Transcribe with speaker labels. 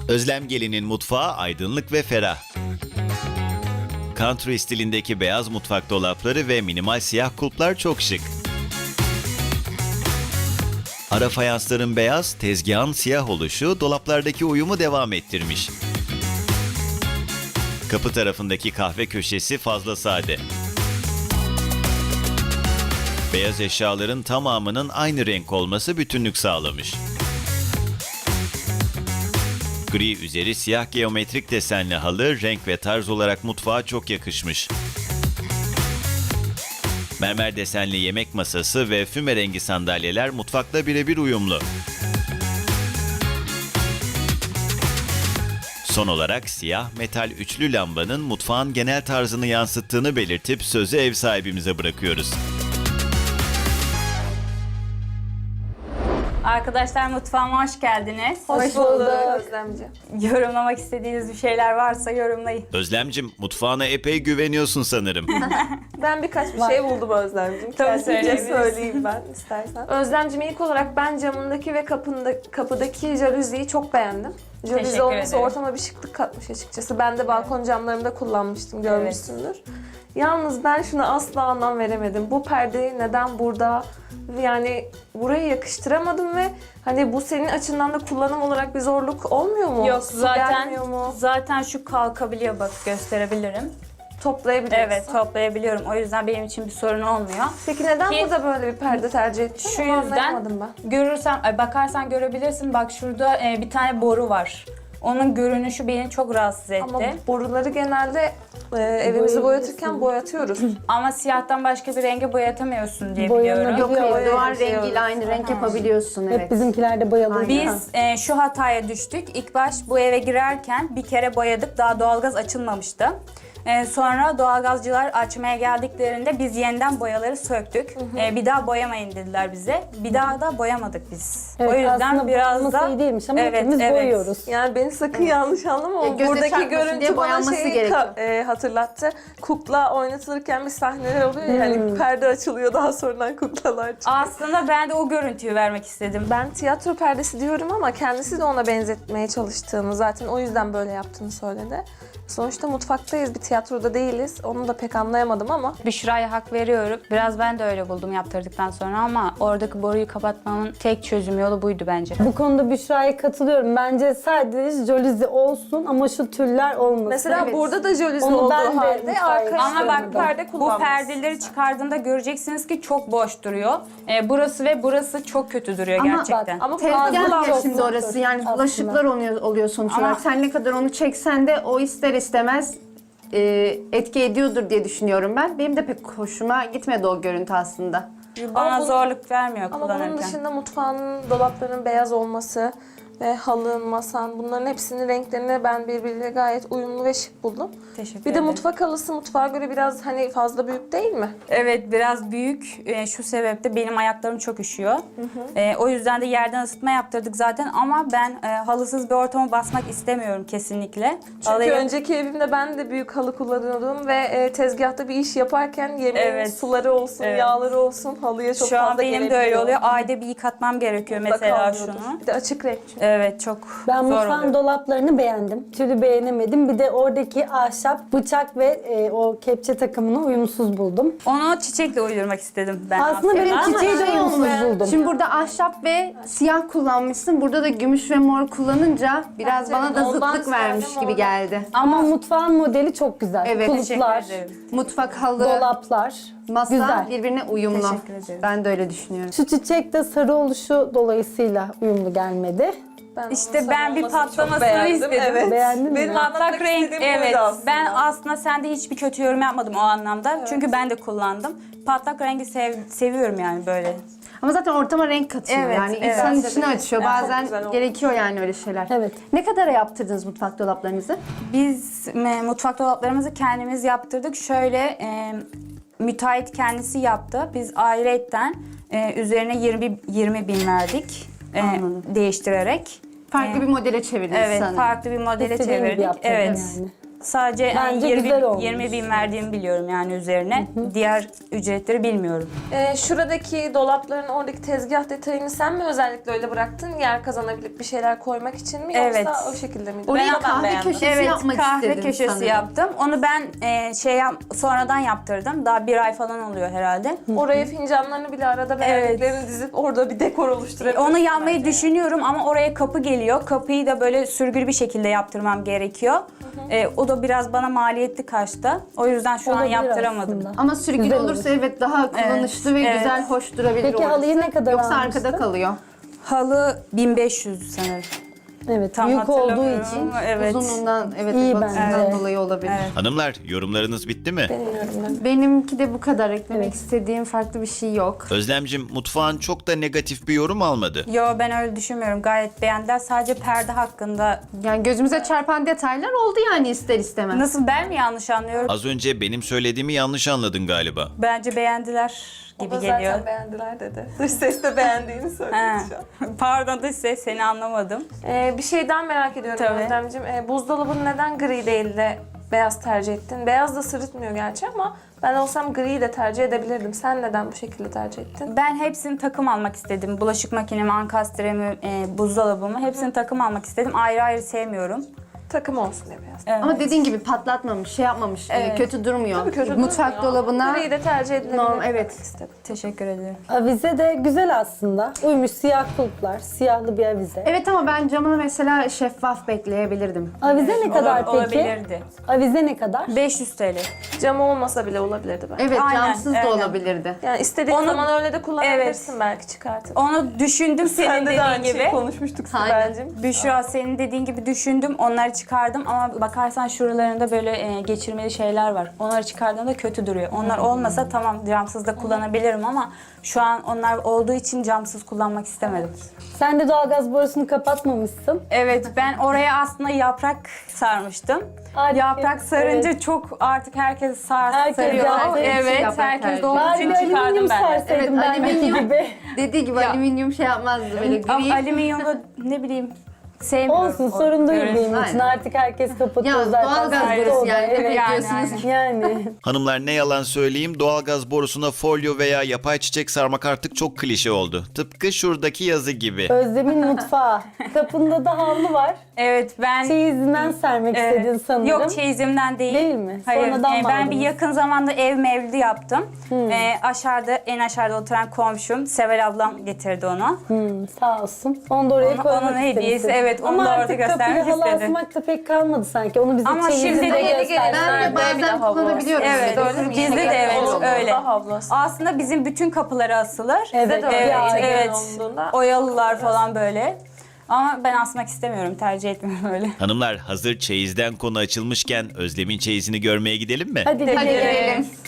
Speaker 1: Özlem Gelin'in mutfağı aydınlık ve ferah. Country stilindeki beyaz mutfak dolapları ve minimal siyah kulplar çok şık. Ara fayansların beyaz, tezgahın siyah oluşu dolaplardaki uyumu devam ettirmiş. Kapı tarafındaki kahve köşesi fazla sade. Beyaz eşyaların tamamının aynı renk olması bütünlük sağlamış. Gri üzeri siyah geometrik desenli halı renk ve tarz olarak mutfağa çok yakışmış. Mermer desenli yemek masası ve füme rengi sandalyeler mutfakla birebir uyumlu. Son olarak siyah metal üçlü lambanın mutfağın genel tarzını yansıttığını belirtip sözü ev sahibimize bırakıyoruz.
Speaker 2: Arkadaşlar mutfağıma hoş geldiniz.
Speaker 3: Hoş bulduk Özlemciğim.
Speaker 2: Yorumlamak istediğiniz bir şeyler varsa yorumlayın.
Speaker 1: Özlemcim, mutfağına epey güveniyorsun sanırım.
Speaker 3: Ben birkaç bir şey buldum Özlemciğim.
Speaker 2: Tabii
Speaker 3: Kendimce
Speaker 2: söyleyebilirsin.
Speaker 3: söyleyeyim ben istersen. Özlemciğim ilk olarak ben camındaki ve kapıdaki jaluziyi çok beğendim. Jaluzi
Speaker 2: Teşekkür
Speaker 3: olması
Speaker 2: ederim.
Speaker 3: ortama bir şıklık katmış açıkçası. Ben de balkon camlarımda kullanmıştım, görmüşsündür. Yalnız ben şuna asla anlam veremedim. Bu perdeyi neden burada? Yani buraya yakıştıramadım ve hani bu senin açından da kullanım olarak bir zorluk olmuyor mu?
Speaker 2: Yok
Speaker 3: Su gelmiyor mu?
Speaker 2: zaten şu kalkabiliyor, bak gösterebilirim.
Speaker 3: Toplayabiliyorsun.
Speaker 2: Evet, toplayabiliyorum. O yüzden benim için bir sorun olmuyor.
Speaker 3: Peki neden
Speaker 2: Ki-
Speaker 3: burada böyle bir perde tercih ettin?
Speaker 2: Şu
Speaker 3: Onu
Speaker 2: yüzden
Speaker 3: anlayamadım ben.
Speaker 2: bakarsan görebilirsin. Bak şurada bir tane boru var. Onun görünüşü beni çok rahatsız etti.
Speaker 3: Ama boruları genelde evimizi boyatırken boyatıyoruz.
Speaker 2: Ama siyahtan başka bir renge boyatamıyorsun diye
Speaker 4: Boyanabiliyor.
Speaker 2: biliyorum.
Speaker 4: Yok,
Speaker 3: hayır,
Speaker 4: duvar
Speaker 3: şey
Speaker 4: rengiyle aynı renk yapabiliyorsun, evet.
Speaker 5: Hep bizimkilerde boyalı.
Speaker 2: Biz şu hataya düştük. İlk baş bu eve girerken bir kere boyadık. Daha doğalgaz açılmamıştı. Sonra doğalgazcılar açmaya geldiklerinde biz yeniden boyaları söktük. Bir daha boyamayın dediler bize. Bir daha da boyamadık biz.
Speaker 5: Evet,
Speaker 2: o yüzden
Speaker 5: aslında
Speaker 2: biraz
Speaker 5: boyanması
Speaker 2: da
Speaker 5: iyi değilmiş ama hepimiz boyuyoruz.
Speaker 3: Yani beni sakın yanlış anlama ama
Speaker 4: göze
Speaker 3: buradaki
Speaker 4: çarpmasın
Speaker 3: görüntü
Speaker 4: diye
Speaker 3: bana
Speaker 4: boyanması
Speaker 3: şeyi
Speaker 4: gerekiyor.
Speaker 3: hatırlattı. Kukla oynatılırken bir sahneler oluyor ya, hani perde açılıyor daha sonradan kuklalar çıkıyor.
Speaker 2: aslında ben de o görüntüyü vermek istedim.
Speaker 3: Ben tiyatro perdesi diyorum ama kendisi de ona benzetmeye çalıştığını, zaten o yüzden böyle yaptığını söyledi. Sonuçta mutfaktayız, bir tiyatroda değiliz. Onu da pek anlayamadım ama.
Speaker 2: Büşra'ya hak veriyorum. Biraz ben de öyle buldum yaptırdıktan sonra ama oradaki boruyu kapatmanın tek çözüm yolu buydu bence.
Speaker 5: Bu konuda Büşra'ya katılıyorum. Bence sadece jaluzi olsun ama şu tüller olmasın.
Speaker 3: Mesela
Speaker 5: Evet.
Speaker 3: burada da jaluzi
Speaker 5: Onu
Speaker 3: olduğu
Speaker 5: ben de
Speaker 3: halde
Speaker 5: mutfağa
Speaker 3: arkaya
Speaker 2: Ama bak
Speaker 3: perde
Speaker 2: bu
Speaker 3: kullanmışsın.
Speaker 2: perdeleri çıkardığında göreceksiniz ki çok boş duruyor. Burası ve burası çok kötü duruyor
Speaker 4: Ama
Speaker 2: gerçekten.
Speaker 3: Ama
Speaker 4: Tezgah ya
Speaker 3: fazla
Speaker 4: şimdi orası, yani
Speaker 5: Aslında.
Speaker 4: bulaşıklar oluyor sonuç
Speaker 2: Ama-
Speaker 4: olarak. Sen ne kadar onu çeksen de o ister istemez etki ediyordur diye düşünüyorum ben. Benim de pek hoşuma gitmedi o görüntü aslında.
Speaker 2: Bana
Speaker 3: Ama bu-
Speaker 2: zorluk vermiyor
Speaker 3: Ama
Speaker 2: kullanırken.
Speaker 3: bunun dışında mutfağın dolaplarının beyaz olması ve halın, masan, bunların hepsinin renklerini ben birbiriyle gayet uyumlu ve şık buldum.
Speaker 2: Teşekkür
Speaker 3: Bir de
Speaker 2: ederim.
Speaker 3: mutfak halısı mutfağa göre biraz hani fazla büyük değil mi?
Speaker 2: Evet, biraz büyük. Şu sebeple benim ayaklarım çok üşüyor. O yüzden de yerden ısıtma yaptırdık zaten ama ben halısız bir ortama basmak istemiyorum kesinlikle.
Speaker 3: Çünkü
Speaker 2: Halıyı-
Speaker 3: önceki evimde ben de büyük halı kullanıyordum ve tezgahta bir iş yaparken yemeğin
Speaker 2: Evet.
Speaker 3: suları olsun,
Speaker 2: Evet.
Speaker 3: yağları olsun halıya çok
Speaker 2: Şu
Speaker 3: fazla
Speaker 2: an benim de öyle
Speaker 3: gelebiliyor.
Speaker 2: oluyor. Ayda bir yıkatmam gerekiyor
Speaker 3: Mutlaka
Speaker 2: mesela
Speaker 3: oluyordur.
Speaker 2: şunu.
Speaker 3: Bir de açık renk çünkü.
Speaker 2: Evet, çok
Speaker 5: Ben
Speaker 2: zor
Speaker 5: mutfağın
Speaker 2: oluyor.
Speaker 5: dolaplarını beğendim. Tülü beğenemedim. Bir de oradaki ahşap, bıçak ve o kepçe takımını uyumsuz buldum.
Speaker 2: Onu çiçekle uydurmak istedim ben.
Speaker 5: Aslında benim
Speaker 2: Ama-
Speaker 5: çiçeği de uyumsuz buldum.
Speaker 4: Şimdi burada ahşap ve siyah kullanmışsın. Burada da gümüş ve mor kullanınca biraz
Speaker 3: Bence
Speaker 4: bana da
Speaker 3: ondan
Speaker 4: zıtlık vermiş
Speaker 3: söyledim
Speaker 4: gibi
Speaker 3: orada.
Speaker 4: geldi.
Speaker 5: Ama mutfağın modeli çok güzel.
Speaker 4: Evet,
Speaker 5: Kulplar,
Speaker 2: Teşekkür ederim.
Speaker 4: Mutfak halı,
Speaker 5: dolaplar.
Speaker 4: masa
Speaker 5: güzel.
Speaker 4: birbirine uyumlu.
Speaker 2: Teşekkür ederim.
Speaker 4: Ben de öyle düşünüyorum.
Speaker 5: Şu çiçek de sarı oluşu dolayısıyla uyumlu gelmedi.
Speaker 3: Ben
Speaker 2: İşte
Speaker 3: onun
Speaker 2: ben bir
Speaker 3: sarı olmasını çok
Speaker 2: patlamasını
Speaker 3: beğendim,
Speaker 2: istedim.
Speaker 3: Evet.
Speaker 5: Beğendin mi?
Speaker 3: Benim
Speaker 2: Patlak
Speaker 3: anlatmak
Speaker 2: renk,
Speaker 3: istediğim
Speaker 2: evet.
Speaker 3: buydu aslında.
Speaker 2: Ben aslında sende hiçbir kötü yorum yapmadım o anlamda. Çünkü ben de kullandım. Patlak rengi seviyorum yani böyle.
Speaker 4: Ama zaten ortama renk katıyor.
Speaker 2: Evet,
Speaker 4: yani
Speaker 2: evet.
Speaker 4: insanın içini açıyor.
Speaker 3: Evet, çok
Speaker 4: Bazen
Speaker 3: güzel olmuş.
Speaker 4: gerekiyor yani öyle şeyler.
Speaker 5: Evet.
Speaker 4: Ne kadara yaptırdınız mutfak dolaplarınızı?
Speaker 2: Biz mutfak dolaplarımızı kendimiz yaptırdık. Şöyle müteahhit kendisi yaptı. Biz ayrıyetten üzerine 20 bin verdik
Speaker 4: Anladım.
Speaker 2: değiştirerek.
Speaker 4: Farklı bir modele çevirdiniz
Speaker 2: Evet,
Speaker 4: sanırım.
Speaker 2: farklı bir modele
Speaker 5: İstediğin gibi
Speaker 2: çevirdik.
Speaker 5: yaptırdın
Speaker 2: Evet.
Speaker 5: yani.
Speaker 2: Sadece yani
Speaker 5: Bence
Speaker 2: 20,
Speaker 5: güzel olmuş.
Speaker 2: 20 bin verdiğimi biliyorum yani üzerine. Diğer ücretleri bilmiyorum.
Speaker 3: Şuradaki dolapların oradaki tezgah detayını sen mi özellikle öyle bıraktın? Yer kazanabilip bir şeyler koymak için mi?
Speaker 2: Evet.
Speaker 3: Yoksa o şekilde miydi?
Speaker 4: Oraya
Speaker 3: Ben
Speaker 4: kahve
Speaker 3: beğendim.
Speaker 4: köşesi
Speaker 2: Evet,
Speaker 4: yapmak
Speaker 2: kahve
Speaker 4: istedim
Speaker 2: köşesi
Speaker 4: sanırım.
Speaker 2: yaptım. Onu ben sonradan yaptırdım. Daha bir ay falan oluyor herhalde.
Speaker 3: Oraya fincanlarını bile arada beğendiklerini dizip orada bir dekor oluşturabilirsin.
Speaker 2: Onu yapmayı
Speaker 3: bence.
Speaker 2: düşünüyorum ama oraya kapı geliyor. Kapıyı da böyle sürgülü bir şekilde yaptırmam gerekiyor. O da biraz bana maliyetli kaçtı. O yüzden şu an
Speaker 5: Olabilir
Speaker 2: yaptıramadım.
Speaker 5: aslında.
Speaker 4: Ama sürgülü
Speaker 5: Güzel
Speaker 4: olursa
Speaker 5: olur.
Speaker 4: evet daha kullanışlı ve
Speaker 2: evet.
Speaker 4: güzel, hoş durabilir
Speaker 5: Peki
Speaker 4: orası.
Speaker 5: halıyı ne kadar
Speaker 4: Yoksa
Speaker 5: almıştın?
Speaker 4: arkada kalıyor.
Speaker 2: Halı 1500 sanırım.
Speaker 5: Evet,
Speaker 2: Tam
Speaker 5: büyük olduğu
Speaker 2: hatırlamıyorum
Speaker 5: için.
Speaker 2: ama evet.
Speaker 4: Uzunluğundan, evet,
Speaker 5: İyi
Speaker 4: ebatından
Speaker 5: bence.
Speaker 4: dolayı olabilir.
Speaker 2: Evet.
Speaker 1: Hanımlar, yorumlarınız bitti mi?
Speaker 4: Benimki de bu kadar. Eklemek
Speaker 5: Evet.
Speaker 4: istediğim farklı bir şey yok.
Speaker 1: Özlemcim, mutfağın çok da negatif bir yorum almadı.
Speaker 2: Yo, ben öyle düşünmüyorum. Gayet beğendiler. Sadece perde hakkında.
Speaker 4: Yani gözümüze çarpan detaylar oldu yani ister istemez.
Speaker 2: Nasıl, ben mi yanlış anlıyorum?
Speaker 1: Az önce benim söylediğimi yanlış anladın galiba.
Speaker 2: Bence beğendiler
Speaker 3: O
Speaker 2: gibi
Speaker 3: da
Speaker 2: geliyor.
Speaker 3: zaten beğendiler dedi. Dış ses de beğendiğini söyledi
Speaker 2: Ha.
Speaker 3: şu an.
Speaker 2: Pardon da size, seni anlamadım.
Speaker 3: Bir şeyden merak ediyorum
Speaker 2: Tabii.
Speaker 3: Özlemciğim. Buzdolabını neden gri değil de beyaz tercih ettin? Beyaz da sırıtmıyor gerçi ama ben olsam griyi de tercih edebilirdim. Sen neden bu şekilde tercih ettin?
Speaker 2: Ben hepsini takım almak istedim. Bulaşık makinemi, ankastremi, buzdolabımı hepsini takım almak istedim. Ayrı ayrı sevmiyorum.
Speaker 3: Takım olsun diye beyaz.
Speaker 2: Evet.
Speaker 4: Ama dediğin gibi patlatmamış, şey yapmamış,
Speaker 2: Evet.
Speaker 4: kötü durmuyor.
Speaker 3: Tabii kötü
Speaker 4: Mutfak
Speaker 3: durmuyor.
Speaker 4: dolabına
Speaker 3: Griyi de tercih edilebilir.
Speaker 4: normal, evet.
Speaker 3: demek istedim.
Speaker 2: Teşekkür ederim.
Speaker 5: Avize de güzel aslında. Uymuş, siyah kulplar, siyahlı bir avize.
Speaker 4: Evet, ama ben camını mesela şeffaf bekleyebilirdim.
Speaker 5: Avize ne kadar peki?
Speaker 2: Olabilirdi.
Speaker 5: Avize ne kadar?
Speaker 2: 500 TL.
Speaker 3: Cam olmasa bile olabilirdi bence.
Speaker 4: Evet,
Speaker 2: Aynen,
Speaker 4: camsız da
Speaker 2: aynen.
Speaker 4: olabilirdi.
Speaker 3: Yani istediğin
Speaker 2: Onu-
Speaker 3: zaman öyle de kullanabilirsin belki çıkartıp.
Speaker 2: Onu düşündüm senin
Speaker 3: Sen de
Speaker 2: dediğin
Speaker 3: aynı
Speaker 2: gibi.
Speaker 3: şeyi konuşmuştuk
Speaker 4: Aynen.
Speaker 3: Sibel'cim.
Speaker 2: Büşra, senin dediğin gibi düşündüm. Onları çıkardım ama bakarsan şuralarında böyle geçirmeli şeyler var. Onları çıkardığımda kötü duruyor. Onlar olmasa tamam, camsız da kullanabilirim ama şu an onlar olduğu için camsız kullanmak istemedim.
Speaker 5: Sen de doğalgaz borusunu kapatmamışsın.
Speaker 2: Evet, ben oraya aslında yaprak sarmıştım.
Speaker 5: Artık,
Speaker 2: Yaprak sarınca
Speaker 5: evet.
Speaker 2: çok artık herkes
Speaker 5: Herkes
Speaker 2: sarıyor.
Speaker 5: yaptığı için
Speaker 2: Evet,
Speaker 4: yaprak
Speaker 2: herkes
Speaker 4: tercih.
Speaker 2: de olduğu
Speaker 5: Bari
Speaker 2: için
Speaker 5: bir
Speaker 2: çıkardım
Speaker 5: alüminyum
Speaker 2: ben de.
Speaker 5: serseydim
Speaker 4: Evet,
Speaker 5: ben
Speaker 4: alüminyum.
Speaker 5: gibi.
Speaker 4: Dediği gibi alüminyum şey yapmazdı, böyle
Speaker 2: Ama
Speaker 4: gri.
Speaker 2: alüminyumu ne bileyim sevmiyorum.
Speaker 5: Olsun, sorun değil
Speaker 2: Görüntü.
Speaker 5: benim için.
Speaker 4: Aynen.
Speaker 5: Artık herkes kapatıyor
Speaker 4: Ya
Speaker 5: zaten.
Speaker 4: doğalgaz
Speaker 5: Sahte
Speaker 4: borusu
Speaker 5: oldu.
Speaker 4: yani, ne
Speaker 5: Evet,
Speaker 4: bekliyorsunuz?
Speaker 5: yani.
Speaker 1: Hanımlar, ne yalan söyleyeyim, doğalgaz borusuna folyo veya yapay çiçek sarmak artık çok klişe oldu. Tıpkı şuradaki yazı gibi.
Speaker 5: Özlem'in mutfağı. Kapında da havlu var.
Speaker 2: Evet, ben
Speaker 5: Çeyizinden sermek istedin sanırım.
Speaker 2: Yok, çeyizimden değil.
Speaker 5: Değil mi?
Speaker 2: Hayır.
Speaker 5: Sonradan mı
Speaker 2: Ben bir
Speaker 5: aldınız?
Speaker 2: yakın zamanda ev mevlidi yaptım. En aşağıda oturan komşum Sevel ablam getirdi onu.
Speaker 5: Sağ olsun. Onu da oraya
Speaker 2: Onun
Speaker 5: koymak
Speaker 2: hediyesi,
Speaker 5: istemişsin.
Speaker 2: evet, onu
Speaker 5: Ama
Speaker 2: da orada
Speaker 5: artık
Speaker 2: göstermek
Speaker 5: kapıya halı
Speaker 2: istedi.
Speaker 5: asmak da pek kalmadı sanki. Onu bize
Speaker 2: Ama
Speaker 5: çeyizinde
Speaker 2: şimdi yeni
Speaker 5: gösterdi.
Speaker 4: Ben de bazen kullanabiliyorum.
Speaker 2: Evet, gizli de evet öyle.
Speaker 3: Havlu
Speaker 2: Aslında bizim bütün kapıları asılır.
Speaker 5: Evet,
Speaker 3: de öyle.
Speaker 2: evet,
Speaker 3: Ailen
Speaker 2: evet.
Speaker 3: olduğunda
Speaker 2: Oyalılar falan böyle. Ama ben asmak istemiyorum, tercih etmiyorum öyle.
Speaker 1: Hanımlar, hazır çeyizden konu açılmışken Özlem'in çeyizini görmeye gidelim mi?
Speaker 5: Hadi
Speaker 4: Hadi
Speaker 5: gidelim.
Speaker 4: gelelim.